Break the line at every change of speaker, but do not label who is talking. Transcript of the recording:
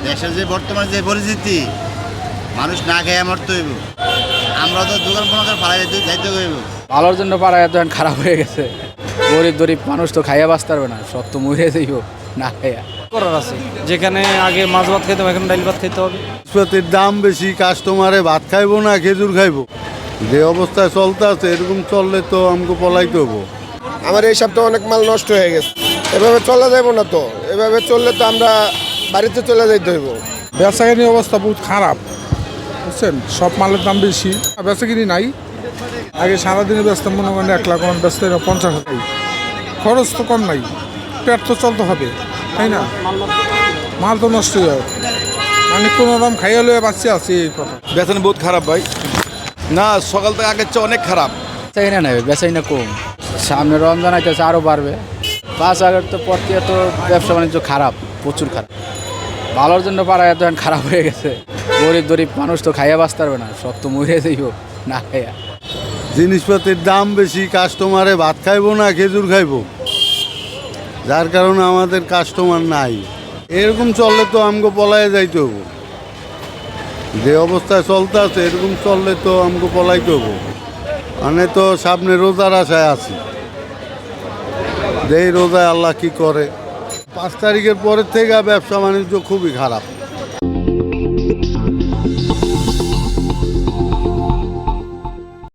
দেশের যে বর্তমান যে পরিস্থিতি, মানুষ না খেয়ে মরতে হইব। আমরা তো দোকান ফোন ফালাই যাইতে হইব।
ভালোর জন্য পাড়া এত খারাপ হয়ে গেছে। গরিব মানুষ তো খাইয়া বাঁচতে পারবে না, সব তো মরে যাইব না খাইয়া।
করার আছে, যেখানে আগে মাছ ভাত খেতাম এখন ডাল ভাত খেতে হবে।
জিনিসপাতির দাম বেশি, কাস্টমারে ভাত খাইবো না খেজুর খাইবো। যে অবস্থায় চলতে আছে এরকম চললে তো আমাকে পলাইতে হবো।
আমার এই সপ্তাহে অনেক মাল নষ্ট হয়ে গেছে, এভাবে চলা যাবো না তো। এভাবে চললে তো আমরা বাড়িতে চলে যাইতে হইব।
বেচাকিনির অবস্থা বহুত খারাপ, বুঝছেন। সব মালের দাম বেশি, বেচাকিনি নাই। আগে সারাদিনে ব্যস্ত মনে করেন 1 লাখ, ব্যস্ত 50 হাজার। খরচ তো কম নাই, পেট তো চলতে হবে, তাই না? মাল তো নষ্ট হয়ে যায়, মানে কোনো রকম খাইয়া লইয়া বাচ্চা আছে এই কথা।
বেতন বহুত খারাপ ভাই, না সকাল থেকে আগের চেয়ে অনেক খারাপ।
বেচাই না বেচাই না কম, সামনে রমজান আইতেছে আরও বাড়বে। 5 আগস্ট তো পর থেকে তো ব্যবসা বাণিজ্য খারাপ, প্রচুর খারাপ। ভালোর জন্য পাড়া এত খারাপ হয়ে গেছে। গরিব মানুষ তো খাইয়া বাঁচতে পারবে না, সব তো মরে যাইব না খাইয়া।
জিনিসপাতির দাম বেশি, কাস্টমারে ভাত খাইবো না খেজুর খাইবো, যার কারণে আমাদের কাস্টমার নাই। এরকম চললে তো আমাকে পলাইয়া যাইতে হবো। যে অবস্থায় চলতে আছে এরকম চললে তো আমাকে পলাইতে হবো। মানে তো সামনে রোজার আশায় আছি, যে এই রোজায় আল্লাহ কি করে। 5 তারিখের পরের থেকে ব্যবসা বাণিজ্য খুবই খারাপ।